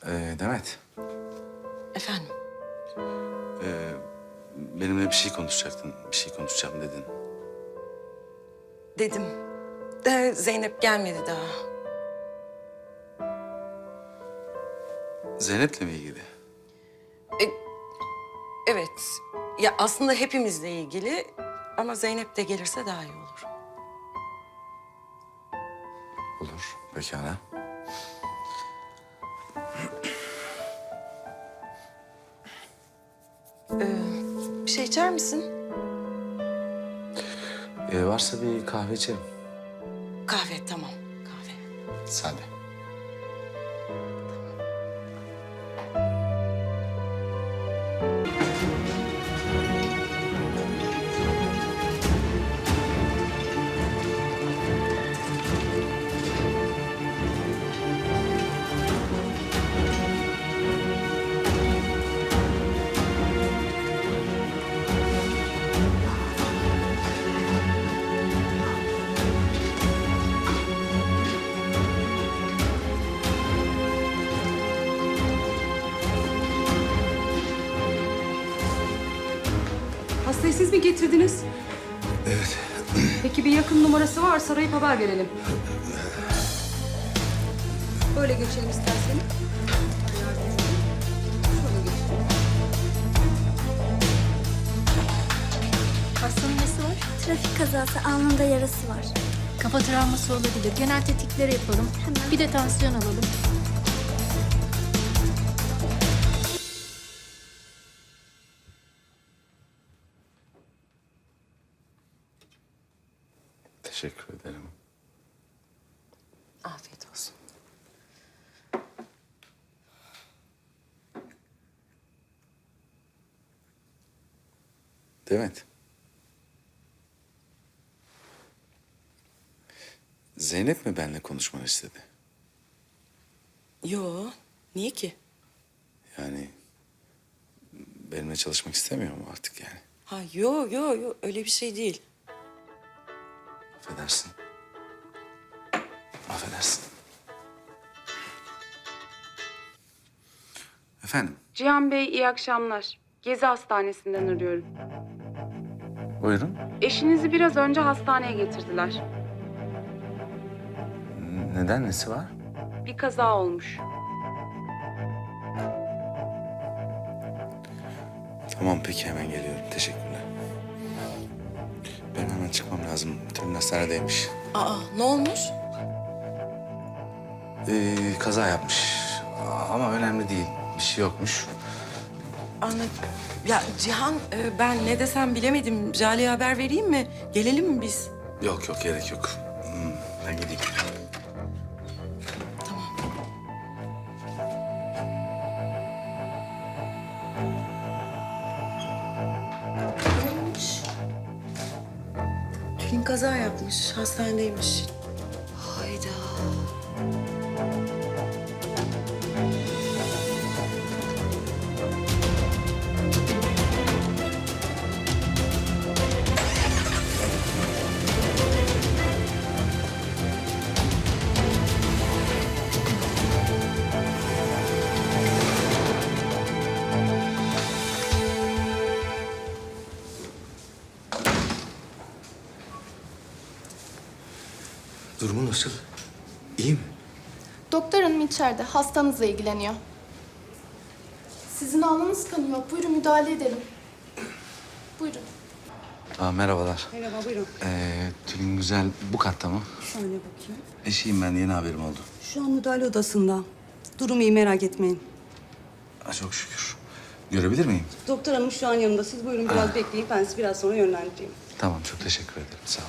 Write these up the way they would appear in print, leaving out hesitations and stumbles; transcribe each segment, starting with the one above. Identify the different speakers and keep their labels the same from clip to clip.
Speaker 1: Demet,
Speaker 2: Efendim?
Speaker 1: benimle bir şey konuşacaktın, bir şey konuşacağım dedin.
Speaker 2: Dedim. De Zeynep gelmedi daha.
Speaker 1: Zeynep'le mi ilgili?
Speaker 2: Evet. Ya aslında hepimizle ilgili ama Zeynep de gelirse daha iyi olur.
Speaker 1: Olur, pekala.
Speaker 2: Bir şey içer misin?
Speaker 1: Varsa bir kahve içerim.
Speaker 2: Kahve, tamam. Kahve.
Speaker 1: Sade.
Speaker 3: Hastayı siz mi getirdiniz?
Speaker 1: Evet.
Speaker 3: Peki bir yakın numarası varsa arayıp haber verelim. Böyle geçelim isterseniz. Şöyle geçelim.
Speaker 4: Hastanın nesi var?
Speaker 5: Trafik kazası, alnında yarası var.
Speaker 4: Kafa travması olabilir. Genel tetkikleri yapalım.
Speaker 5: Hemen.
Speaker 4: Bir de tansiyon alalım.
Speaker 1: Teşekkür ederim.
Speaker 2: Afiyet olsun.
Speaker 1: Demet. Zeynep mi benimle konuşmanı istedi?
Speaker 2: Yo, niye ki?
Speaker 1: Yani benimle çalışmak istemiyor mu artık yani?
Speaker 2: Ha yo, öyle bir şey değil.
Speaker 1: Affedersin. Affedersin. Efendim,
Speaker 3: Cihan Bey iyi akşamlar. Gezi Hastanesi'nden arıyorum.
Speaker 1: buyurun.
Speaker 3: Eşinizi biraz önce hastaneye getirdiler.
Speaker 1: Neden, nesi var?
Speaker 3: Bir kaza olmuş.
Speaker 1: Tamam, peki hemen geliyorum. Teşekkürler. Benim hemen çıkmam lazım. Tülin hastanedeymiş.
Speaker 2: Aa, ne olmuş?
Speaker 1: Kaza yapmış. Ama önemli değil. Bir şey yokmuş.
Speaker 2: Anladım. Ya Cihan, ben ne desem bilemedim. Jale'ye haber vereyim mi? Gelelim mi biz?
Speaker 1: Yok yok, gerek yok. Ben gideyim.
Speaker 2: Ne olmuş? Tülin kaza yapmış, hastanedeymiş. Hayda.
Speaker 1: Durumu nasıl? İyi mi?
Speaker 6: Doktor hanım içeride. Hastanızla ilgileniyor. Sizin alnınız kanıyor. Buyurun müdahale edelim. Buyurun.
Speaker 1: Merhabalar.
Speaker 7: Merhaba, buyurun.
Speaker 1: Tülin Güzel bu katta mı?
Speaker 7: Şöyle bakayım.
Speaker 1: Eşiyim ben, yeni haberim oldu.
Speaker 7: Şu an müdahale odasında. Durum iyi, merak etmeyin.
Speaker 1: Çok şükür. Görebilir miyim?
Speaker 7: Doktor hanım şu an yanımda. Siz buyurun biraz bekleyin. Ben sizi biraz sonra yönlendireyim.
Speaker 1: Tamam, çok teşekkür ederim. Sağ ol.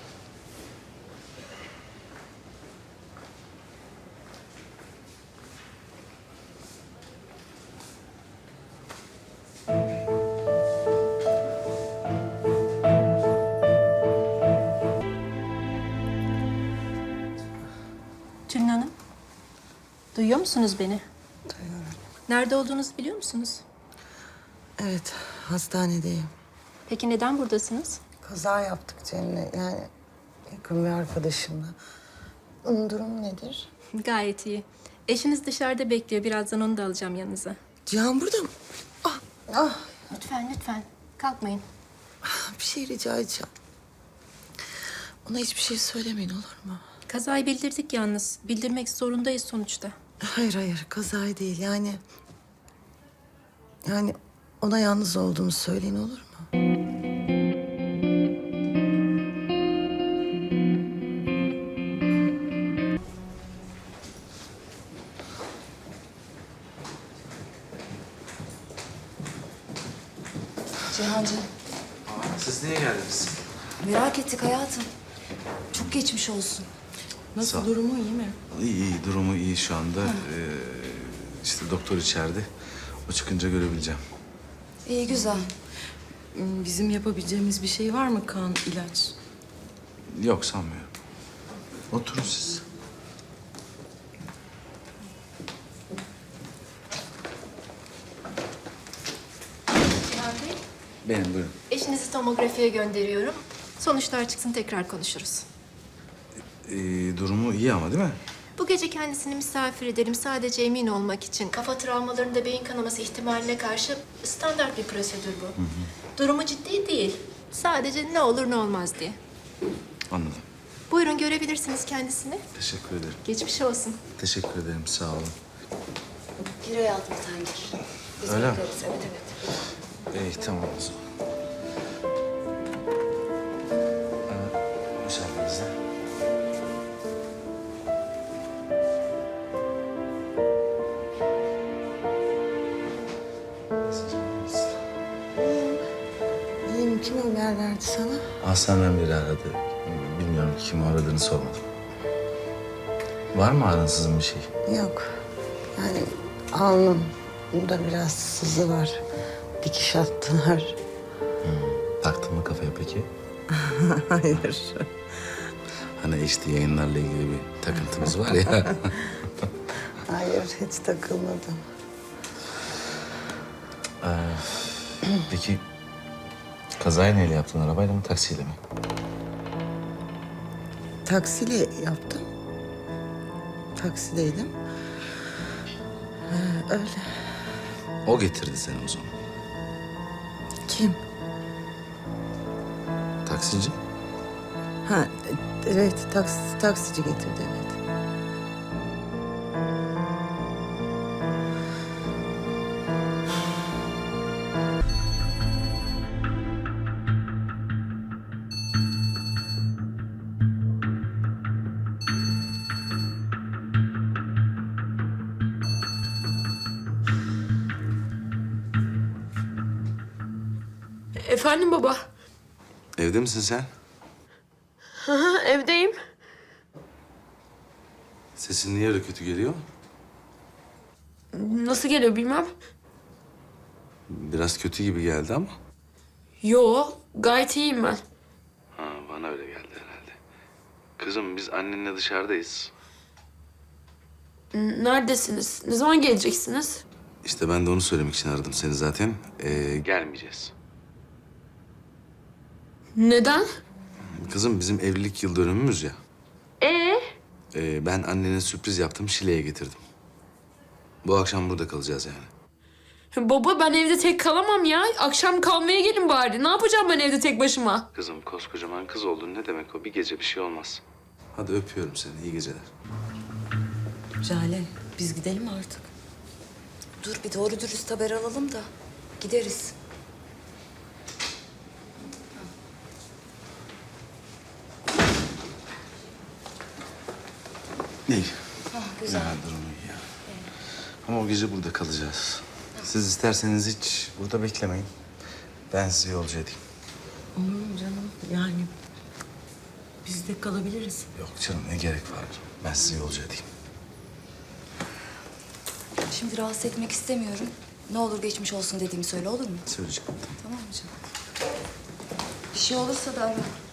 Speaker 4: Tülin Hanım. Duyuyor musunuz beni?
Speaker 8: Duyuyorum.
Speaker 4: Nerede olduğunuzu biliyor musunuz?
Speaker 8: Evet, hastanedeyim.
Speaker 4: Peki neden buradasınız?
Speaker 8: Kaza yaptık Cemile. Yani yakın bir arkadaşımla. Onun durumu nedir?
Speaker 4: Gayet iyi. Eşiniz dışarıda bekliyor. Birazdan onu da alacağım yanınıza.
Speaker 8: Cihan burada mı? Ah,
Speaker 4: Lütfen, lütfen. Kalkmayın.
Speaker 8: bir şey rica edeceğim. Ona hiçbir şey söylemeyin olur mu?
Speaker 4: Kazayı bildirdik yalnız. Bildirmek zorundayız sonuçta.
Speaker 8: Hayır, kazayı değil yani. Yani ona yalnız olduğumu söyleyin olur mu?
Speaker 9: Cihancığım,
Speaker 1: Siz niye geldiniz?
Speaker 9: merak ettik hayatım. Çok geçmiş olsun.
Speaker 2: Nasıl,
Speaker 1: Sağ ol.
Speaker 2: durumu iyi mi?
Speaker 1: İyi, durumu iyi şu anda. İşte doktor içeride. O çıkınca görebileceğim.
Speaker 9: İyi, güzel.
Speaker 2: Bizim yapabileceğimiz bir şey var mı? Kan, ilaç?
Speaker 1: Yok sanmıyorum. Oturun siz.
Speaker 4: Cihan Bey,
Speaker 1: Benim buyurun.
Speaker 4: eşinizi tomografiye gönderiyorum. Sonuçlar çıksın tekrar konuşuruz.
Speaker 1: Durumu iyi ama değil mi?
Speaker 4: Bu gece kendisini misafir edelim sadece emin olmak için. Kafa travmalarında beyin kanaması ihtimaline karşı standart bir prosedür bu. Durumu ciddi değil. Sadece ne olur ne olmaz diye.
Speaker 1: Anladım.
Speaker 4: Buyurun görebilirsiniz kendisini.
Speaker 1: Teşekkür ederim.
Speaker 4: Geçmiş olsun.
Speaker 1: Teşekkür ederim. Sağ olun.
Speaker 9: Gir hayatım sen gir. Biz
Speaker 1: Öyle mi?
Speaker 9: bekleriz. Evet, evet.
Speaker 1: İyi tamam o zaman. Müsaadenizle.
Speaker 8: İyiyim, kim haber verdi sana?
Speaker 1: Hastaneden biri aradı. Bilmiyorum kim aradığını sormadım. Var mı aransızın bir şey?
Speaker 8: Yok. Yani alnım. Bunda biraz sızı var. Dikiş attılar.
Speaker 1: Taktın mı kafaya peki?
Speaker 8: Hayır.
Speaker 1: Hani HD yayınlarla ilgili bir takıntımız var ya.
Speaker 8: Hayır, hiç takılmadım.
Speaker 1: Peki kazayı neyle yaptın? Arabayla mı taksiyle mi?
Speaker 8: Taksiyle yaptım. Taksideydim. Öyle.
Speaker 1: O getirdi seni o zaman.
Speaker 8: Kim?
Speaker 1: Taksici.
Speaker 8: Ha, evet, taksici getirdi, evet.
Speaker 6: Efendim baba.
Speaker 1: Evde misin sen?
Speaker 6: Evdeyim.
Speaker 1: Sesin niye öyle kötü geliyor?
Speaker 6: Nasıl geliyor bilmem.
Speaker 1: Biraz kötü gibi geldi ama.
Speaker 6: Yo, gayet iyiyim ben.
Speaker 1: Ha, bana öyle geldi herhalde. Kızım biz annenle dışarıdayız.
Speaker 6: Neredesiniz? Ne zaman geleceksiniz?
Speaker 1: İşte ben de onu söylemek için aradım seni zaten. Gelmeyeceğiz.
Speaker 6: Neden?
Speaker 1: Kızım bizim evlilik yıl dönümümüz ya. Ben annene sürpriz yaptım, Şile'ye getirdim. Bu akşam burada kalacağız yani.
Speaker 6: Baba ben evde tek kalamam ya. Akşam kalmaya gelin bari. Ne yapacağım ben evde tek başıma?
Speaker 1: Kızım koskocaman kız oldun, ne demek o? Bir gece bir şey olmaz. Hadi öpüyorum seni, iyi geceler.
Speaker 2: Jale, biz gidelim artık.
Speaker 9: Dur bir doğru dürüst haber alalım da gideriz.
Speaker 1: İyi.
Speaker 9: Güzel.
Speaker 1: Ya, durumu iyi ya. Ama o gece burada kalacağız. Siz isterseniz hiç burada beklemeyin. Ben sizi yolcu edeyim.
Speaker 2: Olur mu canım? Yani biz de kalabiliriz.
Speaker 1: Yok canım, ne gerek var? Ben sizi yolcu edeyim.
Speaker 9: Şimdi rahatsız etmek istemiyorum. Ne olur geçmiş olsun dediğimi söyle olur mu?
Speaker 1: Söyleyeceğim.
Speaker 9: Tamam mı canım? Bir şey olursa da ara.